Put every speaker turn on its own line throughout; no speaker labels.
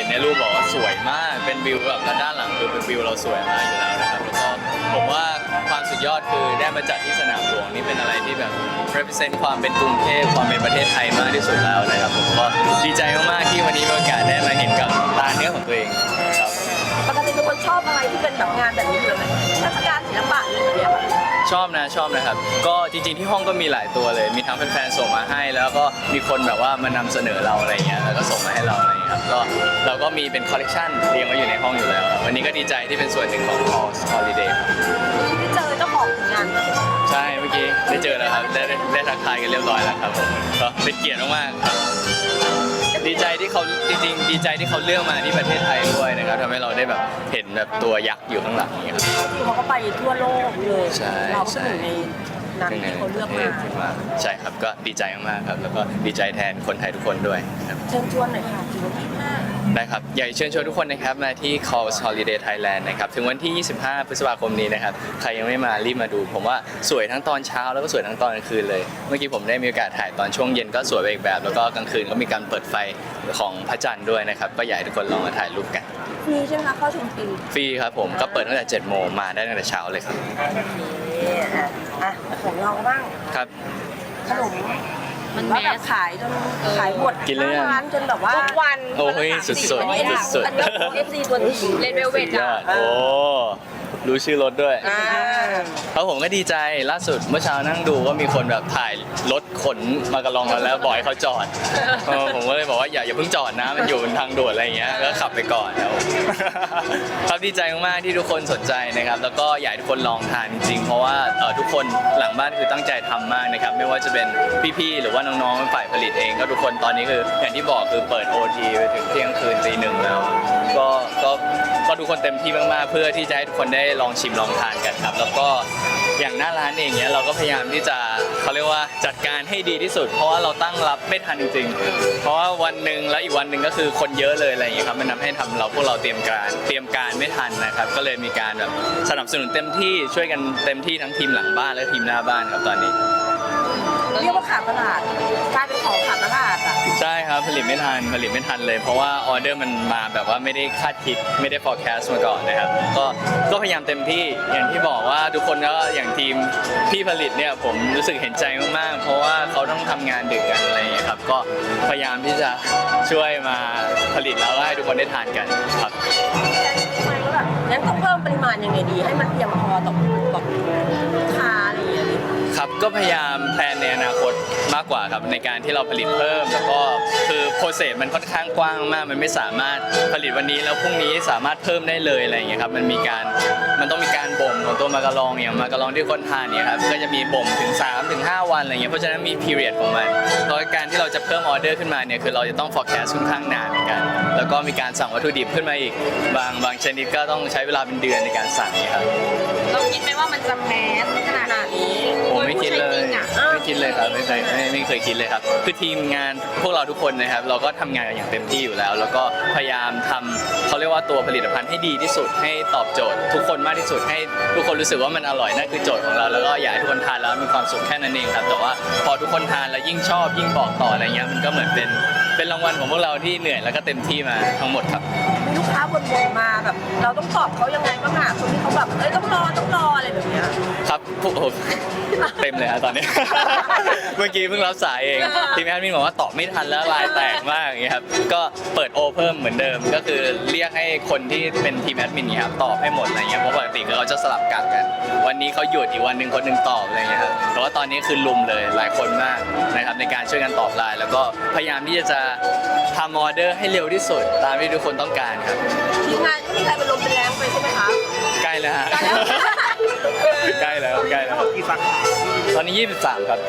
นในรูปบอกว่าสวยมากเป็นวิวแบบด้านหลังคือเป็นวิวเราสวยมากอยู่แล้วนะครับแล้วก็ผมว่าความสุดยอดคือได้มาจัดที่สนามหลวงนี่เป็นอะไรที่แบบ represent ความเป็นกรุงเทพความเป็นประเทศไทยมากที่สุดแล้วนะครับผมก็ดีใจมากๆที่วันนี้มีโอกาสได้มาเห็นกับตาเนื้อของตัวเองครับ
ปกติเป็นคนชอบอะไรที่เป็นแบบงานแบบนี้อยู่เลยเทศกาลศิลปะอะไรอย่างเงี้ย
ชอบนะครับก็จริงๆที่ห้องก็มีหลายตัวเลยมีทั้งแฟนๆส่งมาให้แล้วก็มีคนแบบว่ามานำเสนอเราอะไรเงี้ยแล้วก็ส่งมาให้เราอะไรเงี้ยครับก็เราก็มีเป็นคอลเลกชันเรียงไว้อยู่ในห้องอยู่แล้วครับวันนี้ก็ดีใจที่เป็นส่วนหนึ่งของ Halls Holiday ครับ
ที่เจอเจ้าของงาน
ใช่เมื่อกี้ได้เจอแล้วครับได้ทักทายกันเรียบร้อยแล้วครับผมก็เป็นเกียรติมากๆครับดีใจที่เขาจริงๆดีใจที่เขาเลือกมาที่ประเทศไทยด้วยนะครับทำให้เราได้แบบเห็นแบบตัวยักษ์อยู่ข้างหลังนี้ครับ
คือเขาก็ไปทั่วโลกเลย
ใช่
เราก็เป็นหนึ่งในนั้นที่เขาเลือกมา
ใช่ครับก็ดีใจมากๆครับแล้วก็ดีใจแทนคนไทยทุกคนด้วยครับ
เชิญชวนหน่อยค่ะถึงวันที่5
ได้ครับอยากเชิญชวนทุกคนนะครับมาที่ Halls Holiday Thailand นะครับถึงวันที่ 25 พฤษภาคมนี้นะครับใครยังไม่มารีบมาดูผมว่าสวยทั้งตอนเช้าแล้วก็สวยทั้งตอนกลางคืนเลยเมื่อกี้ผมได้มีโอกาสถ่ายตอนช่วงเย็นก็สวยไปอีกแบบแล้วก็กลางคืนก็มีการเปิดไฟของพระจันทร์ด้วยนะครับก็อยากให้ทุกคนลองมาถ่ายรูปกัน
ฟรีใช่ไหมคะเข้าชมฟรี
ฟรีครับผมก็เปิดตั้งแต่7 โมงมาได้ตั้งแต่เช้าเลยครับ
อ่ะของเราบ้าง
ครับ
ขนมมันว่าแบบขายจนขายหมด
กินเลยอะ
ร้านจนแบบว่า
ทุกวัน
โอ้ยสุดๆ
อันนี้
สุดๆ
อันนี้เอฟซีตัวจริง
เลดเวลเวท
ยอดโอ้รู้ชื่อรถด้วย
อ่า
เพราะผมก็ดีใจล่าสุดเมื่อเช้านั่งดูว่ามีคนแบบถ่ายรถขนมากระลองกันแล้วบอกให้เขาจอดผมก็เลยบอกว่าอย่าเพิ่งจอดนะมันอยู่บนทางด่วนอะไรอย่างเงี้ยก็ขับไปก่อนแล้ว ครับดีใจมากๆที่ทุกคนสนใจนะครับแล้วก็อยากให้ทุกคนลองทานจริงๆเพราะว่าทุกคนหลังบ้านคือตั้งใจทำมากนะครับไม่ว่าจะเป็นพี่ๆหรือว่าน้องๆฝ่ายผลิตเองก็ทุกคนตอนนี้คืออย่างที่บอกคือเปิด OT ไปถึงเที่ยงคืนตี 1แล้วก็ทุกคนเต็มที่มากๆเพื่อที่จะให้ทุกคนได้ลองชิมลองทานกันครับแล้วก็อย่างหน้าร้านเองเนี้ยเราก็พยายามที่จะเขาเรียกว่าจัดการให้ดีที่สุด เพราะว่าเราตั้งรับไม่ทันจริงๆเพราะว่าวันหนึ่งแล้วอีกวันหนึ่งก็คือคนเยอะเลยอะไรอย่างเงี้ยครับมันทำให้พวกเราเตรียมการไม่ทันนะครับก็เลยมีการแบบสนับสนุนเต็มที่ช่วยกันเต็มที่ทั้งทีมหลังบ้านและทีมหน้าบ้านครับตอนนี้
เรียกว่าขาดตลาดกลายเป็นของขาดตลาดอ่ะ
ใช่ครับผลิตไม่ทันเลยเพราะว่าออเดอร์มันมาแบบว่าไม่ได้คาดคิดไม่ได้ forecast มาก่อนนะครับก็พยายามเต็มที่อย่างที่บอกว่าทุกคนก็อย่างทีมพี่ผลิตเนี่ยผมรู้สึกเห็นใจมากๆเพราะว่าเขาต้องทำงานดึกกันอะไรอย่างเงี้ยครับก็พยายามที่จะช่วยมาผลิตแล้วให้ทุกคนได้ทานกันครับ
งั้นต้องเพิ่มปริมาณยังไงดีให้มันเพียงพอต่อลูกค้าอะไรอย่างเงี้ย
ครับก็พยายามแพลนในอนาคตมากกว่าครับในการที่เราผลิตเพิ่มแล้วก็คือโปรเซสมันค่อนข้างกว้างมากมันไม่สามารถผลิตวันนี้แล้วพรุ่งนี้สามารถเพิ่มได้เลยอะไรอย่างเงี้ยครับมันต้องมีการบ่มของตัวมากะลองอย่างมากะลองที่คนทานเนี่ยครับก็จะมีบ่มถึง 3-5 วันอะไรเงี้ยเพราะฉะนั้นมี period ของมันเพราะการที่เราจะเพิ่มออเดอร์ขึ้นมาเนี่ยคือเราจะต้อง forecast ค่อนข้างนานเหมือนกันแล้วก็มีการสั่งวัตถุดิบขึ้นมาอีกบางชนิดก็ต้องใช้เวลาเป็นเดือนในการสั่งเนี่ยครับ
เราคิดไหมว่ามันจะแมสขนาดนี้
ผมไม่คิดเลย
จริงๆอะ
ไม่คิดเลยครับไม่เคยคิดเลยครับคือทีมงานพวกเราทุกคนนะครับเราก็ทำงานกันอย่างเต็มที่อยู่แล้ว แล้วก็พยายามทำเขาเรียกว่าตัวผลิตภัณฑ์ให้ดีที่สุดให้ตอบโจทย์ทุกคนมากที่สุดให้ทุกคนรู้สึกว่ามันอร่อยนั่นคือโจทย์ของเราแล้วก็อยากให้ทุกคนทานแล้วมีความสุขแค่นั้นเองครับแต่ว่าพอทุกคนทานแล้วยิ่งชอบยิ่งบอกต่ออะไรเงี้ยมันก็เหมือนเป็นรางวัลของพวกเราที่เหนื่อยแล้วก็เต็มที่มาทั้งหมดครับ
มีลูกค้าบ่นๆมาแบบเราต้องตอบเขายังไงบ้างอะคนที่เขาแบบต้องรออะไรแบบเนี้ย
ครับโอ้โหเต็มเลยครับตอนนี้ เมื่อกี้เพิ่งรับสายเองทีมแอดมินบอกว่าตอบไม่ทันแล้วลายแตกมากอย่างเงี้ยครับก็เปิดโอเพิ่มเหมือนเดิมก็คือเรียกให้คนที่เป็นทีมแอดมินเนี่ยครับตอบให้หมดอะไรเงี้ยเพราะปกติเราจะสลับกะกันวันนี้เขาหยุดอีกวันหนึ่งคนหนึ่งตอบอะไรเงี้ยครับแต่ว่าตอนนี้คือลุมเลยหลายคนมากนะครับในการช่วยกันตอบไลน์แล้วก็พยายามที่จะทำออเดอร์ให้เร็วที่สุดตามที่ทุกคนต้องการครับ
ทีมงานก็มีใครเป็นลมเป็นแรงไปใช่ไหมคะ
ใกล้แล้วฮะ ใกล้แล้ว
กี่สาขา
ตอนนี้ 23 ครับ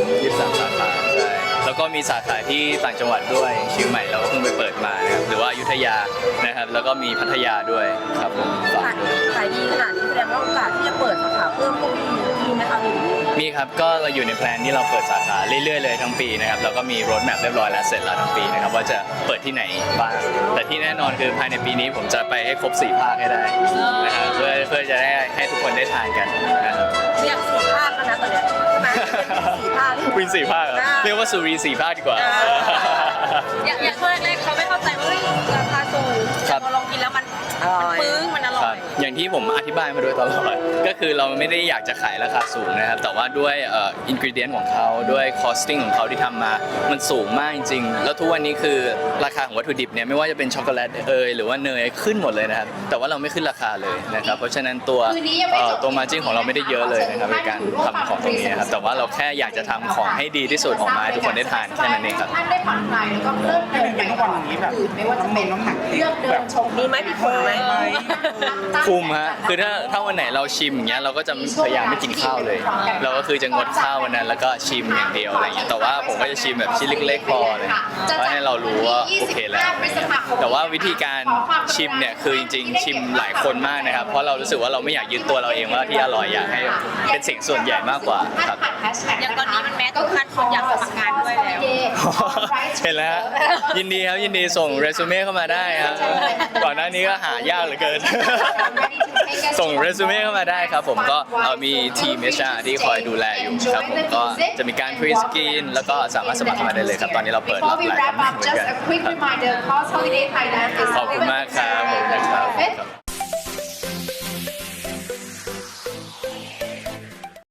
23 สาขาใช่แล้วก็มีสาขาที่ต่างจังหวัดด้วยเชียงใหม่เราก็เพิ่งไปเปิดมานะครับหรือว่าอยุธยานะครับแล้วก็มีพัทยาด้วยครับผมฝากด้วย
ขายดีขนาดนี้แสดงว่าโอกาสที่จะเปิดสาขาเพิ่มก็มีไหมคะ
มีครับก็เราอยู่ในแพลนที่เราเปิดสาขาเรื่อยๆเลยทั้งปีนะครับแล้วก็มีโรดแมพเรียบร้อยแล้วเสร็จแล้วทั้งปีนะครับว่าจะเปิดที่ไหนบ้างแต่ที่แน่นอนคือภายในปีนี้ผมจะไปให้ครบ4 ภาคให้ได้นะครับเพื่อจะได้ให้ทุกคนได้ทานกันนะครับ
อยาก4 ภาคแล้วนะตอนเนี้ยมา4 ภาค
วิน4 ภาคเหรอเรียกว่าสุรี4 ภาคดีกว่า
อย่างช่วงแรกๆเขาไม่เข้าใจว่าราคาสูง
ร่อย
ปึ้งมันอร่
ค
อ
รับ
ย
อย่างที่ผมอธิบายมาโดยตลอด ก็คือเราไม่ได้อยากจะขายราคาสูงนะครับ แต่ว่าด้วยอินกริเดียนของเขาด้วยคอสติ้งของเขาที่ทำมา มันสูงมากจริงๆ แล้วทุกวันนี้คือราคาของวัตถุดิบเนี่ยไม่ว่าจะเป็นช็อกโกแลตหรือว่าเนยขึ้นหมดเลยนะครับ แต่ว่าเราไม่ขึ้นราคาเลยนะครับ เพราะฉะนั้นตัวมาจิ้นของเราไม่ได้เยอะเลยนะครับในการทำของตรงนี้นะครับ แต่ว่าเราแค่อยากจะทำของให้ดีที่สุดออกมาให้ทุกคนได้ทานแค่นั้นเองครับ
ท่านได้ผ่อนคลายแล้วก็เลิกเดินไปวันนี้แบบไม่ว่าจะเป็นน้ำหนักเลือกเดินชม
มีไหมพี่ผมไหม
คุมฮะ คือถ้าวันไหนเราชิมอย่างเงี้ยเราก็จะพยายามไม่กินข้าวเลย เราก็คือจะงดข้าววันนั้นแล้วก็ชิมอย่างเดียวอะไรเงี้ย แต่ว่าผมก็จะชิมแบบชิ้นเล็กๆพอเลยเพราะให้เรารู้ว่าโอเคแล้วอะไรเงี้ยแต่ว่าวิธีการชิมเนี่ยคือจริงๆชิมหลายคนมากนะครับ เพราะเรารู้สึกว่าเราไม่อยากยึดตัวเราเองว่าที่อร่อยอยากให้เป็นสิ่งส่วนใหญ่มากกว่าครับ
อย่างตอนนี้มันแม้ทุกขั้นคนอยากสมัครงานด้วยแล้ว
เห็นแล้วฮะยินดีครับยินดีส่งเรซูเม่เข้ามาได้ครับก่อนหน้านี้ก็หายากเหลือเกิน ส่งเรซูเม่เข้ามาได้ครับผมก็มีทีม HR ที่คอยดูแลอยู่ครับผมก็จะมีการพรีสกรีนแล้วก็สามารถสมัครเข้ามาได้เลยครับ ตอนนี้เราเปิดรับหลายตำแหน่งเหมือนกัน
just a quick reminder, Pulse Holiday Thailand is
ขอบคุณมากครับผมนะครับ